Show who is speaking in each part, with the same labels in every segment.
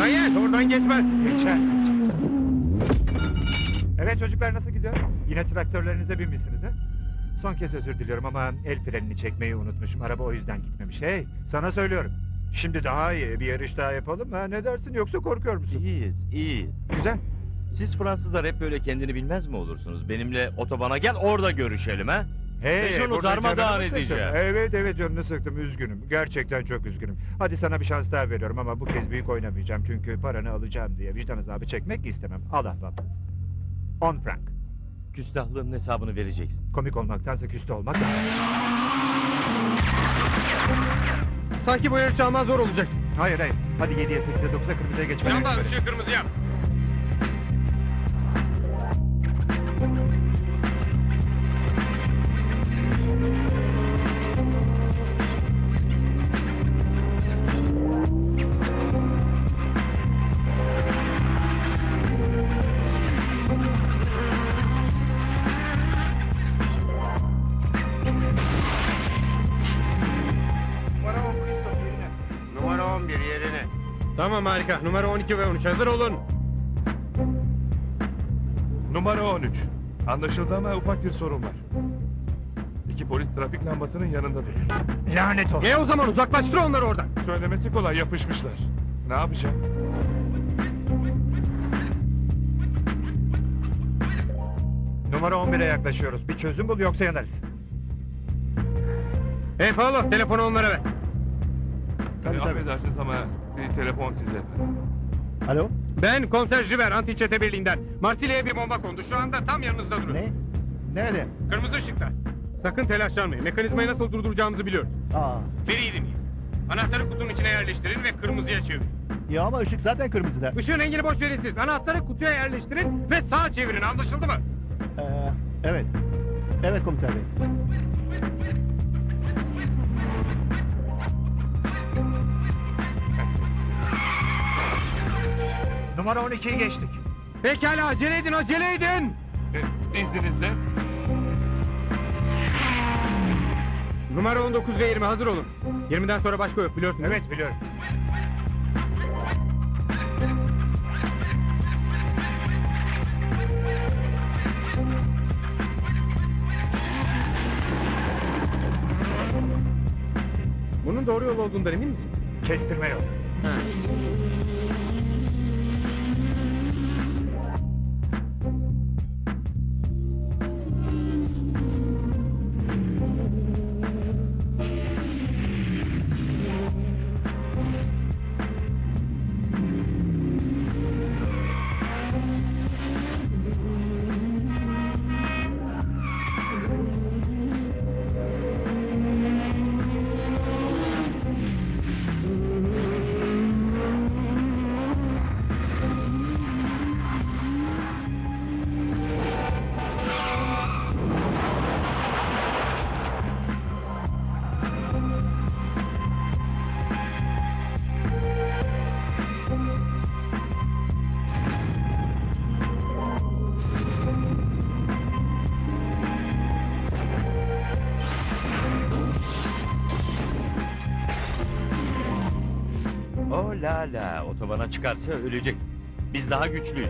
Speaker 1: Daniel oradan geçmez.
Speaker 2: Geçer. Evet çocuklar, nasıl gidiyor? Yine traktörlerinize binmişsiniz ha? Son kez özür diliyorum ama el frenini çekmeyi unutmuşum. Araba o yüzden gitmemiş. Hey, sana söylüyorum. Şimdi daha iyi bir yarış daha yapalım mı? Ne dersin, yoksa korkuyor musun?
Speaker 3: İyiyiz.
Speaker 2: Güzel.
Speaker 3: Siz Fransızlar hep böyle kendini bilmez mi olursunuz? Benimle otobana gel, orada görüşelim ha.
Speaker 2: Hey,
Speaker 3: Ve şunu
Speaker 2: burada
Speaker 3: darmadağın
Speaker 2: canını sıktım.
Speaker 3: edeceğim.
Speaker 2: Evet canını sıktım, üzgünüm. Gerçekten çok üzgünüm. Hadi sana bir şans daha veriyorum ama bu kez büyük oynamayacağım. Çünkü paranı alacağım diye vicdan azabı çekmek istemem. Al ahbap. 10 frank.
Speaker 3: Küstahlığın hesabını vereceksin.
Speaker 2: Komik olmaktansa küste olmak daha iyi.
Speaker 1: Sanki bu yarış alman zor olacak.
Speaker 2: Hayır. Hadi 7'ye 8'e 9'a kırmızıya geçmeden.
Speaker 1: Lamba ışığı kırmızı yap.
Speaker 4: Numara 11 yerine.
Speaker 1: Tamam, harika. Numara 12 ve 13 hazır olun.
Speaker 5: Numara 13. Anlaşıldı ama ufak bir sorun var. İki polis trafik lambasının yanında duruyor.
Speaker 2: Lanet olsun.
Speaker 1: O zaman uzaklaştır onları oradan.
Speaker 5: Söylemesi kolay, yapışmışlar. Ne yapacağım?
Speaker 2: Numara 11'e yaklaşıyoruz. Bir çözüm bul, yoksa yanarız.
Speaker 1: Hey Paolo, telefonu onlara ver.
Speaker 5: Tabii. Affedersiniz ama bir telefon size.
Speaker 2: Alo?
Speaker 1: Ben Komiser Jiver, Anti Çete Birliği'nden. Marsilya'ya bir bomba kondu. Şu anda tam yanınızda duruyor.
Speaker 2: Ne? Nerede?
Speaker 1: Kırmızı ışıkta. Sakın telaşlanmayın. Mekanizmayı nasıl durduracağımızı biliyoruz.
Speaker 2: Aa.
Speaker 1: Beni iyi dinleyin. Anahtarı kutunun içine yerleştirin ve kırmızıya çevirin.
Speaker 2: Ya ama ışık zaten kırmızıda.
Speaker 1: Işığın rengini boş verin siz. Anahtarı kutuya yerleştirin ve sağa çevirin. Anlaşıldı mı?
Speaker 2: Evet. Evet komiser bey. Numara 12'yi geçtik.
Speaker 1: Pekala, acele edin.
Speaker 5: İzninizle.
Speaker 1: Numara 19 ve 20 hazır olun. 20'den sonra başka yok, biliyorsunuz.
Speaker 2: Evet, biliyorum.
Speaker 1: Bunun doğru yol olduğundan emin misin?
Speaker 2: Kestirme yok.
Speaker 3: Oh la, otobana çıkarsa ölecek. Biz daha güçlüyüz.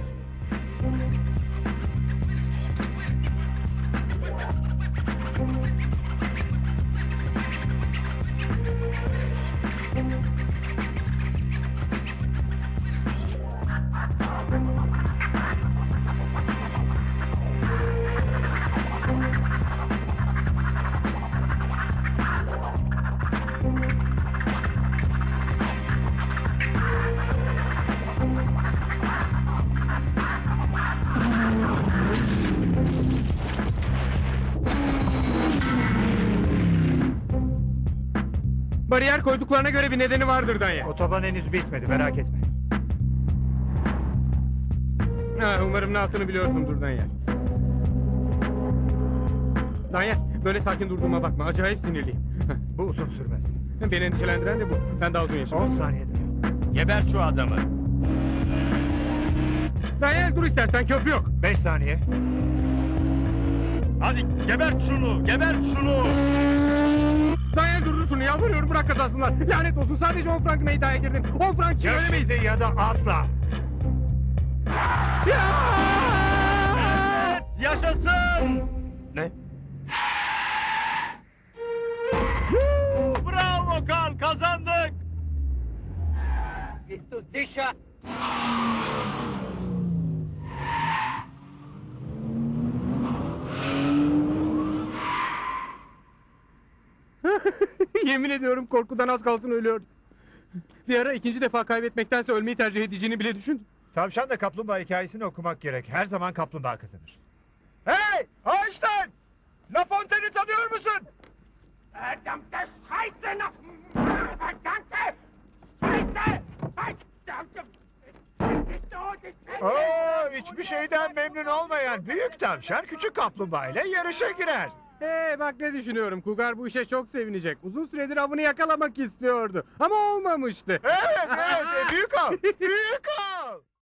Speaker 1: Bariyer koyduklarına göre bir nedeni vardır Danya.
Speaker 2: Otoban henüz bitmedi, merak etme.
Speaker 1: Umarım ne yaptığını biliyorsundur Danya. Danya, böyle sakin durduğuma bakma. Acayip sinirliyim.
Speaker 2: Bu uzun sürmez.
Speaker 1: Beni endişelendiren de bu. Ben daha uzun yaşamak.
Speaker 2: 10 saniyede.
Speaker 3: Geber şu adamı.
Speaker 1: Danya dur istersen, köprü yok.
Speaker 2: 5 saniye.
Speaker 3: Hadi gebert şunu, gebert şunu.
Speaker 1: Danya dur şunu, yalvarıyorum, frank kazansınlar. Lanet olsun, sadece 10 frankına iddiaya girdin. 10 frank için
Speaker 2: Ya
Speaker 1: ölemeyiz.
Speaker 2: şimdi ya da asla.
Speaker 3: Evet, yaşasın! Ne? Bravo Karl, kazandık!
Speaker 4: Bist du sicher?
Speaker 1: Yemin ediyorum korkudan az kalsın ölüyordum. Bir ara ikinci defa kaybetmektense ölmeyi tercih edeceğini bile düşündüm.
Speaker 2: Tavşan da kaplumbağa hikayesini okumak gerek. Her zaman kaplumbağa kazanır. Hey! Einstein! La Fontaine'i tanıyor musun?
Speaker 4: Verdammte Scheiße noch! Verdammte Scheiße! Verdammte...
Speaker 2: Oo, hiçbir şeyden memnun olmayan büyük tavşan küçük kaplumbağa ile yarışa girer.
Speaker 1: Bak ne düşünüyorum. Kugar bu işe çok sevinecek. Uzun süredir avını yakalamak istiyordu. Ama olmamıştı.
Speaker 2: Evet, büyük av. Büyük av.